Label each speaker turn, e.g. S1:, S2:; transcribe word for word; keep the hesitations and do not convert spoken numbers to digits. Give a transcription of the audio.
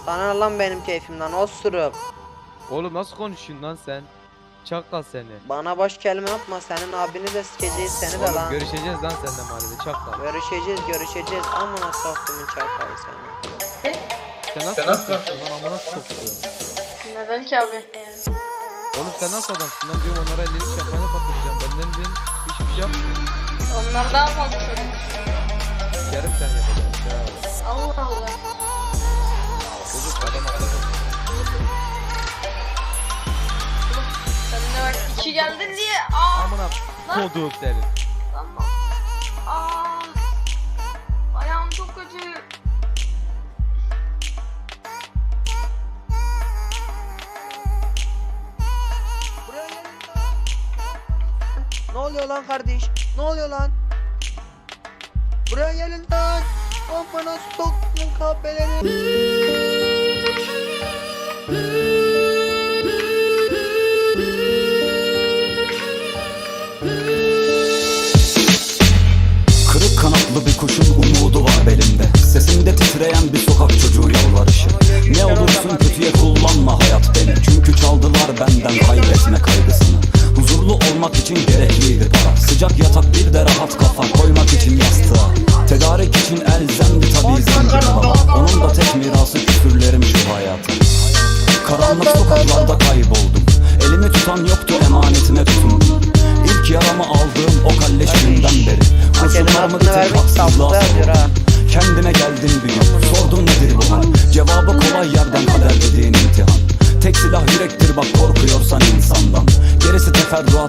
S1: Sana ne lan benim keyfimden osuruk.
S2: Oğlum nasıl konuşuyorsun lan sen? Çakal seni.
S1: Bana boş kelime yapma, senin abini de sikeceğiz seni de
S2: Oğlum
S1: lan.
S2: görüşeceğiz lan seninle mahallede çakal.
S1: Görüşeceğiz görüşeceğiz amına soktumun çakalı seni.
S2: Sen nasıl konuşuyorsun lan amına soktuğum.
S3: Neden ki abi?
S2: Oğlum sen nasıl adamsın lan diyorum onlara elleri şapkayla patlatacağım. Benden benim hiçbir şey yapmıyor.
S3: Onlar daha fazla söylüyor.
S2: Yarım sen yapacağım ya.
S3: Allah Allah.
S2: Çocuk adam atladı.
S3: Sen de bak iki geldin diye. Aa.
S2: Amına
S3: Lan.
S2: kodum senin.
S3: Tamam. Aa. Ayağım çok kötü.
S1: Ne oluyor lan kardeş? Ne oluyor lan? Buraya gelin lan. Amına soktumun kahpeleri.
S4: Kırık kanatlı bir kuşun umudu var belimde. Sesimde titreyen bir sokak çocuğu yalvarışı. Ne olursun kötüye kullanma hayat beni. Çünkü çaldılar benden kaybetme kaygısını. Huzurlu olmak için gerekliydi para. Sıcak yatak bir de rahat kafa koymak için yastığa. Tedarik için elzemdi tabii zincir baba. Onun da tek mirası küfürlerim şu hayata. Karanlık sokaklarda kayboldum. Elimi tutan yoktu, emanetime tutundum. İlk yaramı aldığım o kalleş günden beri kurşunlarımı bir tek haksızlığa savurdum. Kendime geldim bir gün, sordum nedir bu hal. Cevabı kolay yerden, kader dediğin imtihan. Tek silah yürektir bak, korkuyorsan insandan. Gerisi teferruat.